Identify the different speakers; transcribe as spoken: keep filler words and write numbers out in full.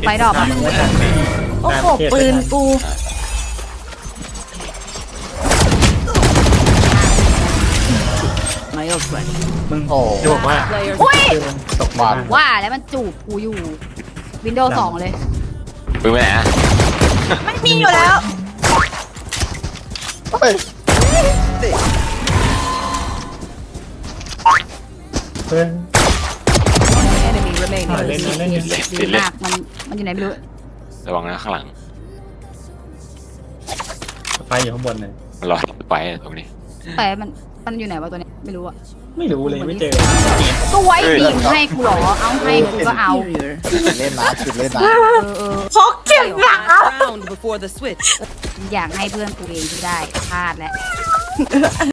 Speaker 1: ไปดอกโอ้โหปืนกู
Speaker 2: มึง
Speaker 3: โอ้
Speaker 2: จะบอกว่า
Speaker 1: อุ้ย
Speaker 3: ตกบาท
Speaker 1: ว่าแล้วมันจูบกูอยู่วินโดว์สองเลย
Speaker 4: ปืนไปไหนอะ
Speaker 1: ไม่มีอยู่แล้ว
Speaker 3: เฮ้ย
Speaker 2: เพื่อน
Speaker 5: Enemy
Speaker 2: อ่า
Speaker 5: remaining.
Speaker 2: เล่นนะเล่นนะ
Speaker 4: เล่น
Speaker 1: ดี
Speaker 4: ติดเล่น
Speaker 1: มากมันมันอยู่ไหนไม่รู้
Speaker 4: ระวังนะข้างหลัง
Speaker 2: ไฟอยู่ข้างบนเลย
Speaker 4: มันรอไปตรงนี้
Speaker 1: แต่มันมันอยู่ไหนวะตัวนี้ไม่รู้อะ
Speaker 2: ไม่รู้เลยไม่เจอ
Speaker 1: ก็ไว้บีมให้กูเหรอเอาให้กูก็เอา
Speaker 3: เล่นนะจุดเล่นนะ
Speaker 1: เออเออ
Speaker 5: พกเก็บหลัง Round before the switch.
Speaker 1: อยากให้เพื่อนกูเองที่ได้พลาดแล้ว